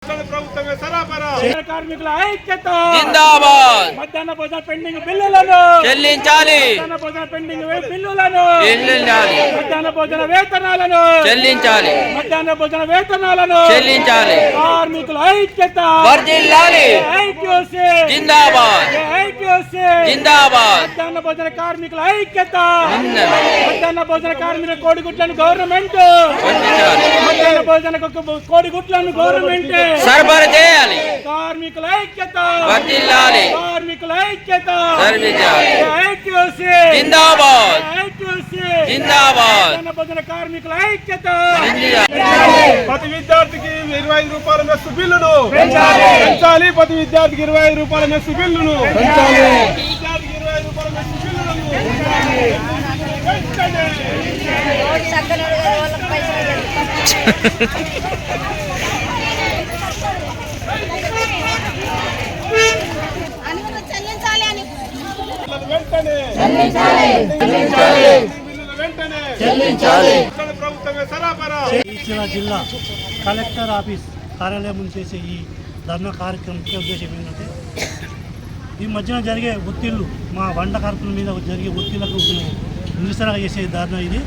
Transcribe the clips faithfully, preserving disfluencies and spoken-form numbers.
ప్రభుత్వమే సరాపరా కార్మికుల ఐక్యత జిందాబాద్. మధ్యాహ్న భోజన పెండింగ్ బిల్లులను చెల్లించాలి మధ్యాహ్న భోజన పెండింగ్ బిల్లులను చెల్లించాలి మధ్యాహ్న భోజన వేతనాలను చెల్లించాలి మధ్యాహ్న భోజన వేతనాలను చెల్లించాలి. కార్మికుల ఐక్యత వర్ధిల్లాలి. ఐక్యూసీ జిందాబాద్. ఐక్యూసీ జిందాబాద్. మధ్యాహ్న భోజన కార్మికుల ఐక్యత జిందాబాద్. మధ్యాహ్న భోజన కార్మికుల కోడిగుడ్లను గవర్నమెంట్ వర్ధిల్లాలి. మధ్యాహ్న భోజన కోడిగుడ్లను గవర్నమెంట్ సరఫరా చేయాలి. కార్మికుల ఐక్యత వర్ధిల్లాలి. కార్మికుల ఐక్యత సర్వించాలి. ఐక్యూసీ జిందాబాద్. ఐక్యూసీ జిందాబాద్. మధ్యాహ్న భోజన కార్మికుల ఐక్యత ప్రతి విద్యార్థికి ఇరవై ఐదు రూపాయల మెస్సు బిల్లును పెంచాలి. ప్రతి విద్యార్థికి ఇరవై ఐదు రూపాయల మెస్సు బిల్లును పెంచాలి. విద్యార్థికి ఇరవై ఐదు రూపాయల మెస్సు బిల్లును వెంటనే వెంటనే చెల్లించాలి. ప్రభుత్వమే సరాపరా ఇచ్చిన జిల్లా కలెక్టర్ ఆఫీస్ కార్యాలయం ముందు చేసే ఈ ధర్నా కార్యక్రమం ముఖ్య ఉద్దేశం ఏంటంటే ఈ మధ్యన జరిగే ఒత్తిళ్లు మా వంట కార్మికుల మీద జరిగే ఒత్తిళ్లకు మేము నిరసనగా చేసే ధర్నా ఇది.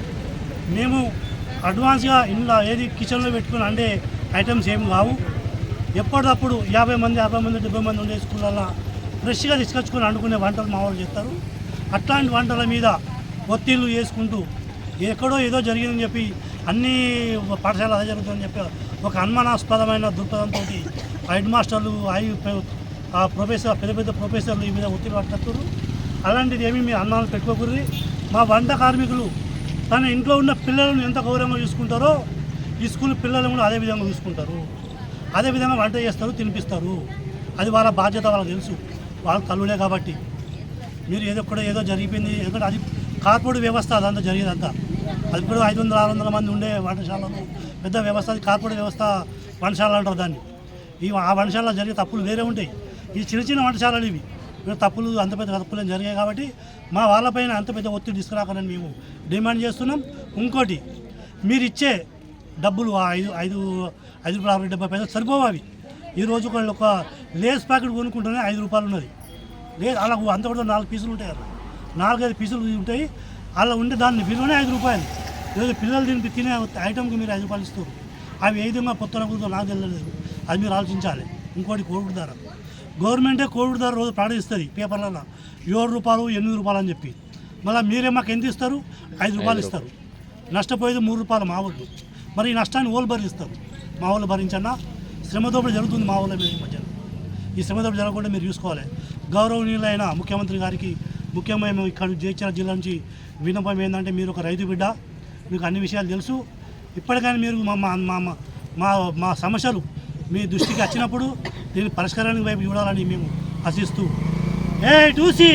మేము అడ్వాన్స్గా ఇంట్లో ఏది కిచెన్లో పెట్టుకుని అంటే ఐటమ్స్ ఏమి కావు. ఎప్పటికప్పుడు యాభై మంది అరవై మంది డెబ్బై మంది ఉండే స్కూళ్ళల్లో ఫ్రెష్గా తీసుకొచ్చుకొని వండుకునే వంటలు మా వాళ్ళు చేస్తారు. అట్లాంటి వంటల మీద ఒత్తిళ్లు చేసుకుంటూ ఎక్కడో ఏదో జరిగిందని చెప్పి అన్ని పాఠశాల అదే జరుగుతుందని చెప్పి ఒక అనుమానాస్పదమైన దృక్పథంతో హెడ్ మాస్టర్లు ఐ ప్రొఫెసర్ పెద్ద పెద్ద ప్రొఫెసర్లు ఈ మీద ఒత్తిడి పట్టుకొస్తారు. అలాంటిది ఏమీ మీరు అనుమానాలు పెట్టుకోకూడదు. మా వంట కార్మికులు తన ఇంట్లో ఉన్న పిల్లలను ఎంత గౌరవంగా చూసుకుంటారో ఈ స్కూల్ పిల్లలను కూడా అదే విధంగా చూసుకుంటారు. అదేవిధంగా వంట చేస్తారు, తినిపిస్తారు. అది వాళ్ళ బాధ్యత, వాళ్ళకి తెలుసు. వాళ్ళ తల్లులే కాబట్టి మీరు ఏదో కూడా ఏదో జరిగిపోయింది. ఎందుకంటే అది కార్పొరేట్ వ్యవస్థ, అదంతా జరిగేదంతా. అది ఇప్పుడు ఐదు వందల ఆరు వందల మంది ఉండే వంటశాలలు పెద్ద వ్యవస్థ. అది కార్పొరేట్ వ్యవస్థ వంటశాల అంటారు దాన్ని. ఈ ఆ వంటశాలలో జరిగే తప్పులు వేరే ఉంటాయి. ఈ చిన్న చిన్న వంటశాలలు ఇవి మీరు తప్పులు అంత పెద్ద తప్పులు జరిగాయి కాబట్టి మా వాళ్ళపైన అంత పెద్ద ఒత్తిడి తీసుకురాకని మేము డిమాండ్ చేస్తున్నాం. ఇంకోటి మీరు ఇచ్చే డబ్బులు ఐదు ఐదు ఐదు రూపాయలు అరవై డెబ్బై పైసలు సరిపోవు. అవి ఈరోజు వాళ్ళు ఒక లేస్ ప్యాకెట్ కొనుక్కుంటేనే ఐదు రూపాయలు ఉన్నది. లేదు అలా అంత కూడా నాలుగు పీసులు ఉంటాయి. అలా నాలుగైదు పీసులు ఉంటాయి. అలా ఉంటే దాన్ని విలువనే ఐదు రూపాయలు. ఈరోజు పిల్లలు తిని తినే ఐటమ్కి మీరు ఐదు రూపాయలు ఇస్తారు. అవి ఏ విధంగా పొత్తున కూర్చో నాకు తెలియలేదు. అది మీరు ఆలోచించాలి. ఇంకోటి కోవిడ్ ధర, గవర్నమెంటే కోవిడ్ ధర రోజు ప్రకటిస్తుంది పేపర్లలో ఏడు రూపాయలు ఎనిమిది రూపాయలు అని చెప్పి. మళ్ళీ మీరే మాకు ఎంత ఇస్తారు? ఐదు రూపాయలు ఇస్తారు. నష్టపోయేది మూడు రూపాయలు మా వాళ్ళు. మరి ఈ నష్టాన్ని ఓళ్ళు భరిస్తారు. మా వాళ్ళు భరించన్నా శ్రమదోపిడి జరుగుతుంది మా వాళ్ళ మీద ఈ మధ్యన. ఈ శ్రమదోపిడి జరగకుండా మీరు చూసుకోవాలి. గౌరవనీయులైన ముఖ్యమంత్రి గారికి ముఖ్యంగా మేము ఇక్కడ జగిత్యాల జిల్లా నుంచి విన్నపం ఏంటంటే, మీరు ఒక రైతు బిడ్డ, మీకు అన్ని విషయాలు తెలుసు. ఇప్పటికైనా మీరు మా మా మా మా సమస్యలు మీ దృష్టికి వచ్చినప్పుడు దీని పరిష్కారానికి వైపు చూడాలని మేము ఆశిస్తూ ఏ టూసీ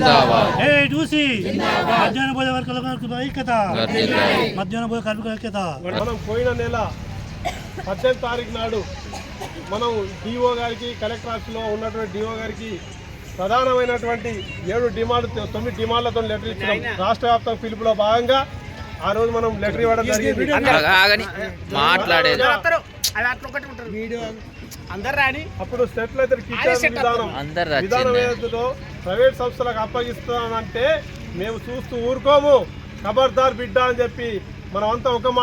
ఏ టూసీ మధ్యాహ్న భోజన వర్గాల ఐక్యత మధ్యాహ్న భోజన కార్మికుల ఐక్యత. మనం పోయిన నెల పద్దెనిమిది తారీఖు నాడు మనం డిఓ గారికి కలెక్టర్ ఆఫీస్లో ఉన్నటువంటి డిఓ గారికి ప్రధానమైనటువంటి ఏడు డిమాండ్లు తొమ్మిది డిమాండ్లతో లెటర్ ఇచ్చినాం. రాష్ట్ర వ్యాప్తంగా పిలుపులో భాగంగా ఆ రోజు మనం లెటర్ ఇవ్వడం జరిగింది. అప్పుడు సెటిల్ కిచెన్ విధానం విధానం ఏదో ప్రైవేట్ సంస్థలకు అప్పగిస్తానంటే మేము చూస్తూ ఊరుకోము. ఖబర్దార్ బిడ్డ అని చెప్పి మనం అంతా ఒక